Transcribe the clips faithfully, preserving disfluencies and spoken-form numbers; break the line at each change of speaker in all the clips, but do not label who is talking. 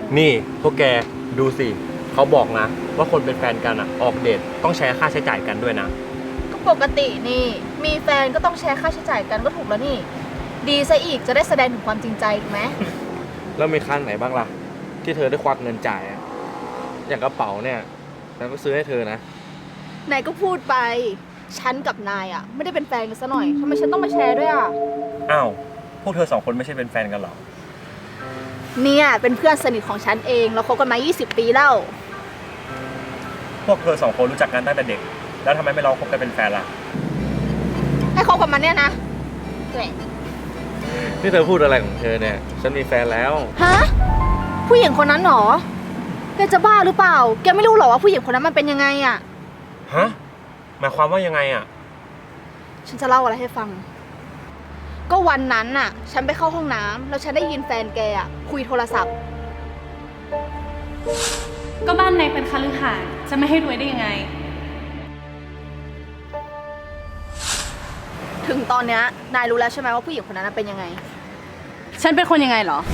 นี่พวกแกดูสิเขาบอกนะว่าคนเป็นแฟนกันอะออกเดทต้องแชร์ค่าใช้จ่ายกันด้วยนะ
ก็ปกตินี่มีแฟนก็ต้องแชร์ค่าใช้จ่ายกันก็ถูกแล้วนี่ ดีซะอีกจะได้แสดงถึงความจริงใจถูกไหม
แล้วมีครั้งไหนบ้างล่ะที่เธอได้ควักเงินจ่ายอะอย่างกระเป๋าเนี่ยฉันก็ซื้อให้เธอนะ
นายก็พูดไปฉันกับนายอ่ะไม่ได้เป็นแฟนกันซะหน่อยทำไมฉันต้องมาแชร์ด้วยอ่ะ
อ้าวพวกเธอสองคนไม่ใช่เป็นแฟนกันหรอ
เนี่ยเป็นเพื่อนสนิทของฉันเองเราคบกันมายี่สิบปีแล้ว
พวกเธอสองคนรู้จักกันตั้งแต่เด็กแล้วทำไมไม่ลองคบกันเป็นแฟนล่ะ
ให้คบกับมันเนี่ยนะตัวเอง
นี่เธอพูดอะไรของเธอเนี่ยฉันมีแฟนแล้ว
ฮะผู้หญิงคนนั้นหรอแกจะบ้าหรือเปล่าแกไม่รู้หรอว่าผู้หญิงคนนั้นมันเป็นยังไงอ่ะ
ฮะหมายความว่ายังไงอ่ะ
ฉันจะเล่าอะไรให้ฟังก็วันนั้นน่ะฉันไปเข้าห้องน้ำแล้วฉันได้ยินแฟนแกอ่ะคุยโทรศัพท์
ก็บ้านนายเป็นคฤหาสน์จะไม่ให้รวยได้ยังไง
ถึงตอนนี้นายรู้แล้วใช่ไหมว่าผู้หญิงคนนั้นเป็นยังไง
ฉันเป็นคนยังไงเหรอ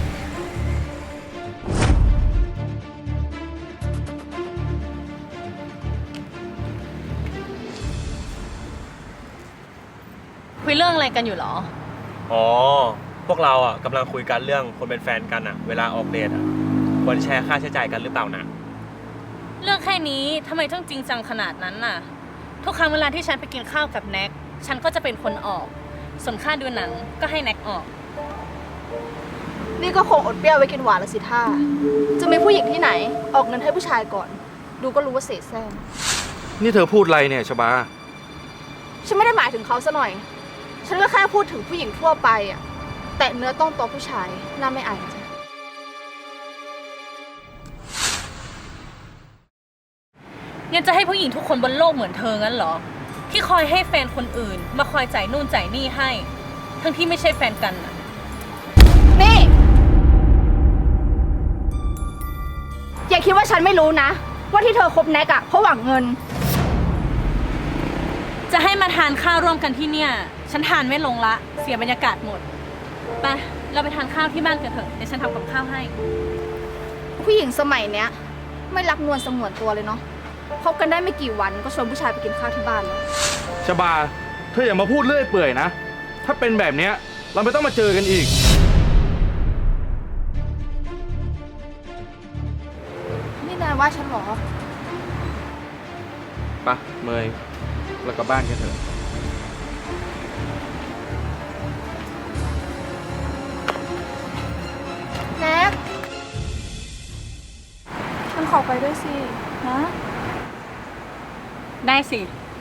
คุยเรื่องอะไรกันอยู่หรอ
อ๋อพวกเราอ่ะกำลังคุยกันเรื่องคนเป็นแฟนกันอ่ะเวลาออกเดทอ่ะควรแชร์ค่าใช้จ่ายกันหรือเปล่านะ
เรื่องแค่นี้ทำไมต้องจริงจังขนาดนั้นน่ะทุกครั้งเวลาที่ฉันไปกินข้าวกับแน็กฉันก็จะเป็นคนออกส่วนค่าดูหนังก็ให้แน็กออก
นี่ก็คงอดเปรี้ยวไว้กินหวานละสิท่าจะมีผู้หญิงที่ไหนออกเงินให้ผู้ชายก่อนดูก็รู้ว่าเสแสร้ง
นี่เธอพูดอะไรเนี่ยชบา
ฉันไม่ได้หมายถึงเขาซะหน่อยฉันก็แค่พูดถึงผู้หญิงทั่วไปอ่ะแต่เนื้อต้องตัวผู้ชายน่าไม่อายจ้ะ
ยังจะให้ผู้หญิงทุกคนบนโลกเหมือนเธองั้นเหรอที่คอยให้แฟนคนอื่นมาคอยจ่ายนู่นจ่ายนี่ให้ทั้งที่ไม่ใช่แฟนกันน่ะ
นี่อย่าคิดว่าฉันไม่รู้นะว่าที่เธอคบแน็กอะเพราะหวังเงิน
จะให้มาทานข้าวร่วมกันที่เนี่ยฉันทานไม่ลงละเสียบรรยากาศหมดไปเราไปทานข้าวที่บ้านกันเถอะเดี๋ยวฉันทำกับข้าวให้
ผู้หญิงสมัยเนี้ยไม่รักนวลสงวนตัวเลยเนาะคบกันได้ไม่กี่วันก็ชวนผู้ชายไปกินข้าวที่บ้านแล้ว
ชบาเธออย่ามาพูดเลื่อยเปื่อยนะถ้าเป็นแบบเนี้ยเราไม่ต้องมาเจอกันอีก
นี่นายว่าฉันหรอ
ปะเมยเรากลับบ้านกันเถอะ
แน็กฉันขอไปด้วยสินะ
ได้สิ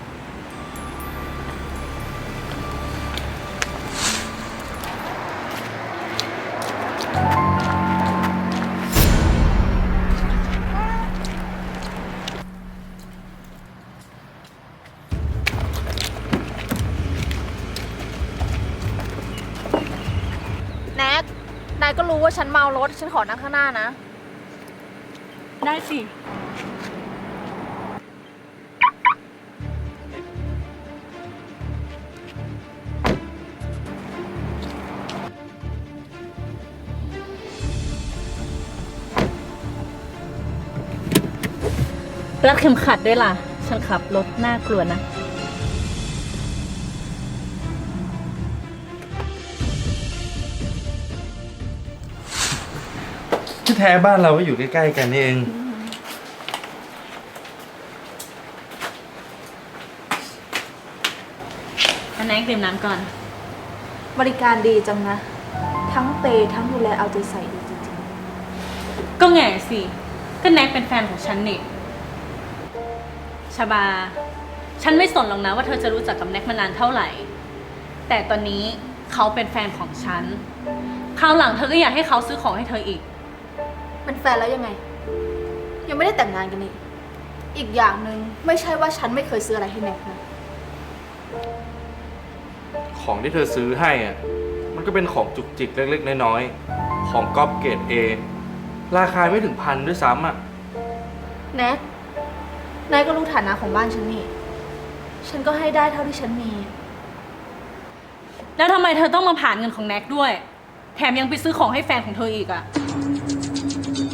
แน็กนายก็รู้ว่าฉันเมารถฉันขอนั่งข้างหน้านะ
ได้สิรัดเข็มขัดด้วยล่ะฉันขับรถน่ากลัวนะ
ที่แท้บ้านเราก็อยู่ใกล้ๆกันนี่เอง
อันไหนดื่มน้ำก่อน
บริการดีจังนะทั้งเปย์ทั้งดูแลเอาใจใส่ดีจริง
ๆก็แง่สิก็แน็กเป็นแฟนของฉันนี่ชบาฉันไม่สนหรอกนะว่าเธอจะรู้จักกับแน็กมานานเท่าไหร่แต่ตอนนี้เขาเป็นแฟนของฉันคราวหลังเธอก็อยากให้เขาซื้อของให้เธออีก
เป็นแฟนแล้วยังไงยังไม่ได้แต่งงานกันนี่อีกอย่างหนึ่งไม่ใช่ว่าฉันไม่เคยซื้ออะไรให้แน็กนะ
ของที่เธอซื้อให้อ่ะมันก็เป็นของจุกจิกเล็กๆน้อยๆของก๊อปเกรด เอ ราคาไม่ถึงพันด้วยซ้ำอ่ะ
แน็กนายก็รู้ฐานะของบ้านฉันนี่ฉันก็ให้ได้เท่าที่ฉันมี
แล้วทำไมเธอต้องมาผ่านเงินของแน็กด้วยแถมยังไปซื้อของให้แฟนของเธออีกอ่ะ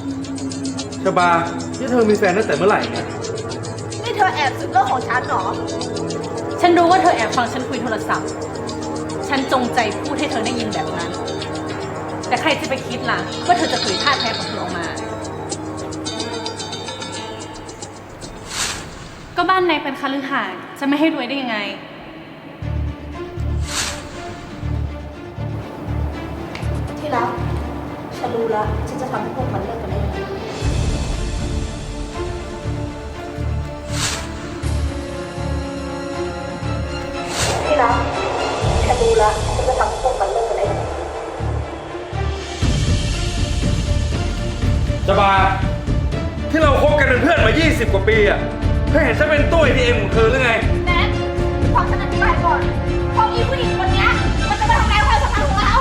ชบานี่เธอมีแฟนตั้งแต่เมื่อไหร่เนี่ย
นี่เธอแอบสืบเรื่องของฉันเหรอ
ฉันรู้ว่าเธอแอบฟังฉันคุยโทรศัพท์ ฉันจงใจพูดให้เธอได้ยินแบบนั้น แต่ใครจะไปคิดล่ะว่าเธอจะเผยท่าแท้ของเธอออกมา ก็บ้านนายเป็นคฤหาสน์จะไม่ให้รวยได้ยังไง
ที่รัก ฉันรู้แล้ว ฉันจะทำให้พวกมันเลิกกันได้ยังไงที่รัก ฉันรู้แล้ว ฉันจะทำให้พวกมันเลิกกันได้ยังไง
ชบา ที่เราคบกันเป็นเพื่อนมา ยี่สิบ กว่าปีอะเธอเห็นฉันเป็นตู้ เอ ที เอ็ม ของเธอหรือไง
แน็กฟังฉันอธิบายก่อนเพราะอีผู้หญิงคนเนี้ยมันจะมาทำลายความสัมพันธ์ของเรา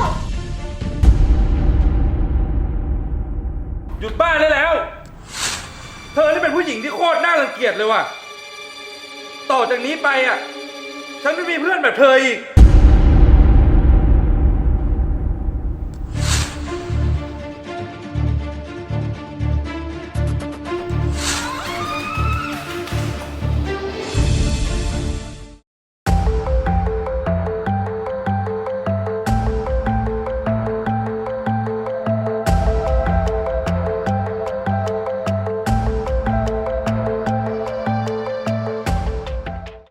หยุดบ้าได้แล้ว เธอนี่เป็นผู้หญิงที่โคตรน่ารังเกียจเลยว่ะ ต่อจากนี้ไปอ่ะ ฉันไม่มีเพื่อนแบบเธออีก